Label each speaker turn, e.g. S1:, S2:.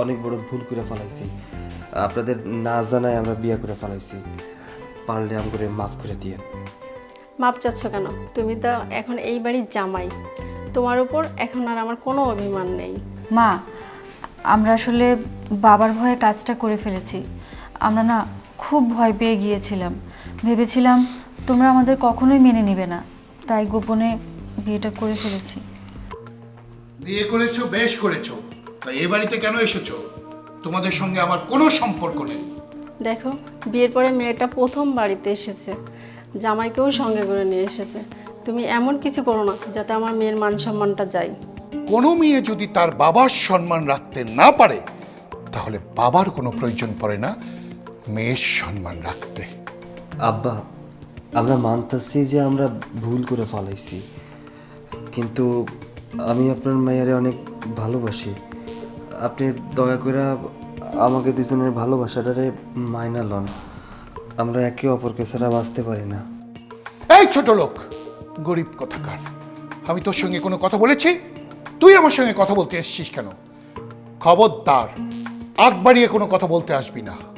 S1: অনেক বড় ভুল করে ফেলাইছি। আপনাদের না জানায় আমরা বিয়ে করে ফেলাইছি, পারলে আমাকে মাফ করে দিয়ে।
S2: মাপ চাচ্ছ কেন? তুমি তো এখন এই বাড়ির জামাই, তোমার উপর এখন আর আমার কোনো অভিমান নেই।
S3: মা, আমরা আসলে বাবার ভয়ে কাজটা করে ফেলেছি। আমরা না খুব ভয় পেয়ে গিয়েছিলাম, ভেবেছিলাম তোমরা আমাদের কখনোই মেনে নিবে না, তাই গোপনে বিয়েটা করে ফেলেছি।
S4: বিয়ে করেছো, বেশ করেছো। তাই এ বাড়িতে কেন এসেছো? তোমাদের সঙ্গে আমার কোনো সম্পর্ক নেই।
S2: দেখো, বিয়ের পরে মেয়েটা প্রথম বাড়িতে এসেছে, জামাইকেও সঙ্গে করে নিয়ে এসেছে। তুমি এমন কিছু করো না যাতে আমার মেয়ের মান সম্মানটা যায়।
S4: কোনো মেয়ে যদি তার বাবার সম্মান রাখতে না পারে, তাহলে বাবার কোনো প্রয়োজন পড়ে না মেয়ের সম্মান রাখতে।
S1: আব্বা, আমরা মানতেছি যে আমরা ভুল করে ফেলাইছি, কিন্তু আমি আপনার মায়েরে অনেক ভালোবাসি। আপনি দয়া করে আমাকে দুজনের ভালোবাসাটারে মাইনা লন। আমরা একে অপরকে ছাড়া বাঁচতে পারি না।
S4: এই ছোট লোক, গরিব কোথাকার, আমি তোর সঙ্গে কোনো কথা বলেছি? তুই আমার সঙ্গে কথা বলতে এসেছিস কেন? খবরদার, আগ বাড়িয়ে কোনো কথা বলতে আসবি না।